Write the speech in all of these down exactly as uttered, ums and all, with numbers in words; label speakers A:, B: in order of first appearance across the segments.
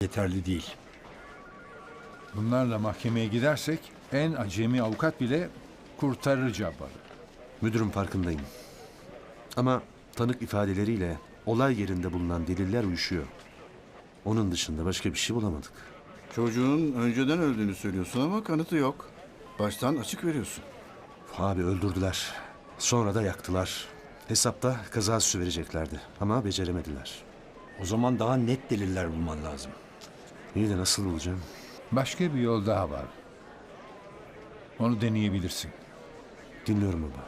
A: yeterli değil. Bunlarla mahkemeye gidersek en acemi avukat bile kurtarır Cabbar'ı.
B: Müdürüm, farkındayım. Ama tanık ifadeleriyle olay yerinde bulunan deliller uyuşuyor. Onun dışında başka bir şey bulamadık.
C: Çocuğun önceden öldüğünü söylüyorsun ama kanıtı yok. Baştan açık veriyorsun.
B: Abi öldürdüler. Sonra da yaktılar. Hesapta kaza süsü vereceklerdi ama beceremediler.
A: O zaman daha net deliller bulman lazım.
B: İyi de nasıl bulacağım?
A: Başka bir yol daha var. Onu deneyebilirsin.
B: Dinliyorum baba.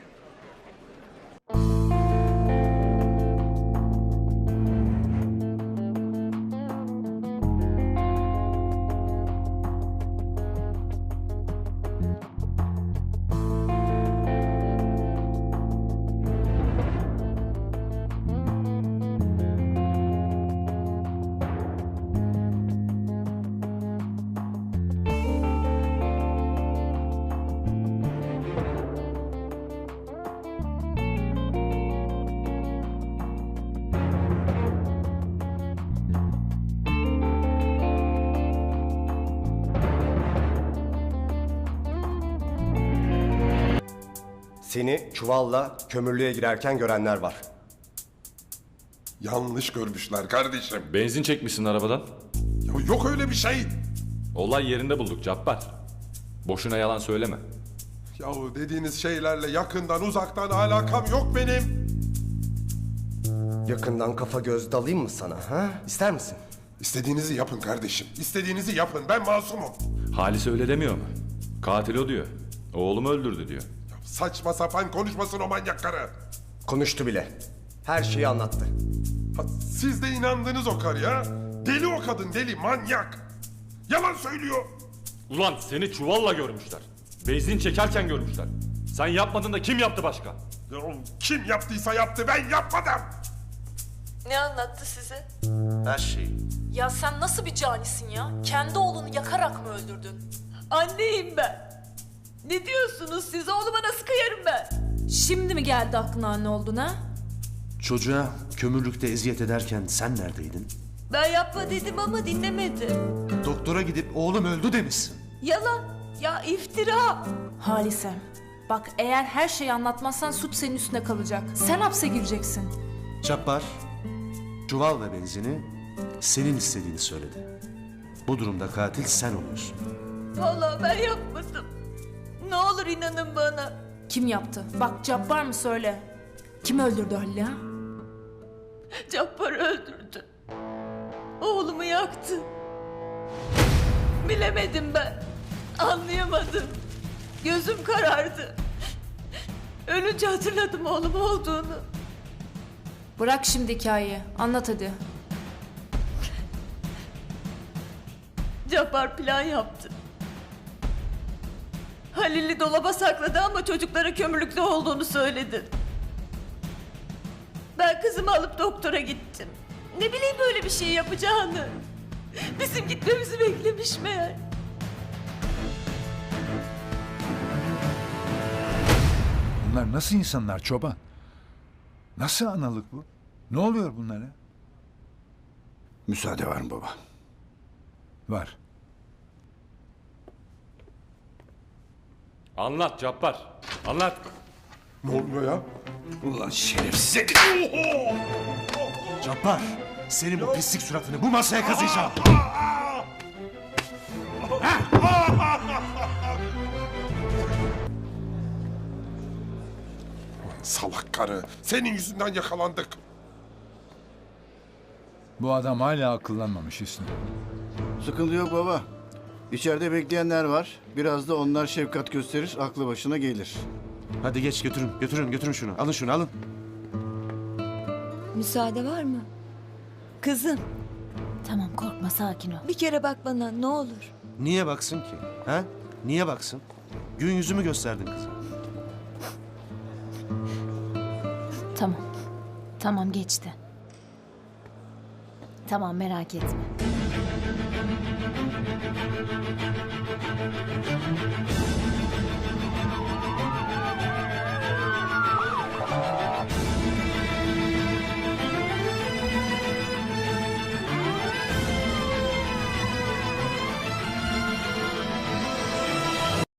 D: Seni çuvalla kömürlüğe girerken görenler var.
E: Yanlış görmüşler kardeşim.
F: Benzin çekmişsin arabadan.
E: Ya yok öyle bir şey.
F: Olay yerinde bulduk Cabbar. Boşuna yalan söyleme.
E: Yahu dediğiniz şeylerle yakından uzaktan alakam yok benim.
D: Yakından kafa göz dalayım mı sana, ha? İster misin?
E: İstediğinizi yapın kardeşim. İstediğinizi yapın. Ben masumum.
F: Halis öyle demiyor mu? Katil o diyor. Oğlumu öldürdü diyor.
E: Ya saçma sapan konuşmasın o manyak karı.
D: Konuştu bile. Her şeyi anlattı.
E: Ha, siz de inandınız o karıya. Deli o kadın, deli, manyak. Yalan söylüyor.
F: Ulan seni çuvalla görmüşler. Benzin çekerken görmüşler. Sen yapmadın da kim yaptı başka?
E: Ya, kim yaptıysa yaptı, ben yapmadım.
G: Ne anlattı size?
B: Her şeyi.
G: Ya sen nasıl bir canisin ya? Kendi oğlunu yakarak mı öldürdün?
H: Anneyim ben. Ne diyorsunuz siz? Oğluma nasıl kıyarım ben?
G: Şimdi mi geldi aklına anne oldun ha?
B: Çocuğa kömürlükte eziyet ederken sen neredeydin?
H: Ben yapma dedim ama dinlemedi.
B: Doktora gidip oğlum öldü demişsin.
H: Yalan. Ya iftira.
G: Halise, bak eğer her şeyi anlatmazsan suç senin üstüne kalacak. Sen hapse gireceksin.
B: Cabbar, çuval ve benzini senin istediğini söyledi. Bu durumda katil sen oluyorsun.
H: Vallahi ben yapmadım. Ne olur inanın bana.
G: Kim yaptı? Bak Cabbar mı söyle. Kim öldürdü Halil'i ha?
H: Cabbar öldürdü. Oğlumu yaktı. Bilemedim ben. Anlayamadım. Gözüm karardı. Ölünce hatırladım oğlum olduğunu.
G: Bırak şimdi hikayeyi. Anlat hadi.
H: Cabbar plan yaptı. Halil'i dolaba sakladı ama çocuklara kömürlükte olduğunu söyledi. Ben kızımı alıp doktora gittim. Ne bileyim böyle bir şey yapacağını. Bizim gitmemizi beklemiş meğer.
A: Bunlar nasıl insanlar çoban? Nasıl analık bu? Ne oluyor bunlara?
C: Müsaade var mı baba?
A: Var.
F: Anlat Cabbar. Anlat.
E: Ne oluyor ya?
C: Ulan şerefsiz.
B: Cabbar, senin bu pislik suratını bu masaya kazıyacağım.
E: Salak karı. Senin yüzünden yakalandık.
A: Bu adam hala akıllanmamış Hüsnü.
C: Sıkıntı yok baba. İçeride bekleyenler var. Biraz da onlar şefkat gösterir, aklı başına gelir.
B: Hadi geç götürün, götürün, götürün şunu. Alın şunu, alın.
I: Müsaade var mı? Kızım,
J: Tamam korkma sakin ol.
I: bir kere bak bana ne olur.
B: Niye baksın ki? Ha? Niye baksın? Gün yüzümü gösterdin kızım.
J: Tamam. Tamam geçti. Tamam merak etme.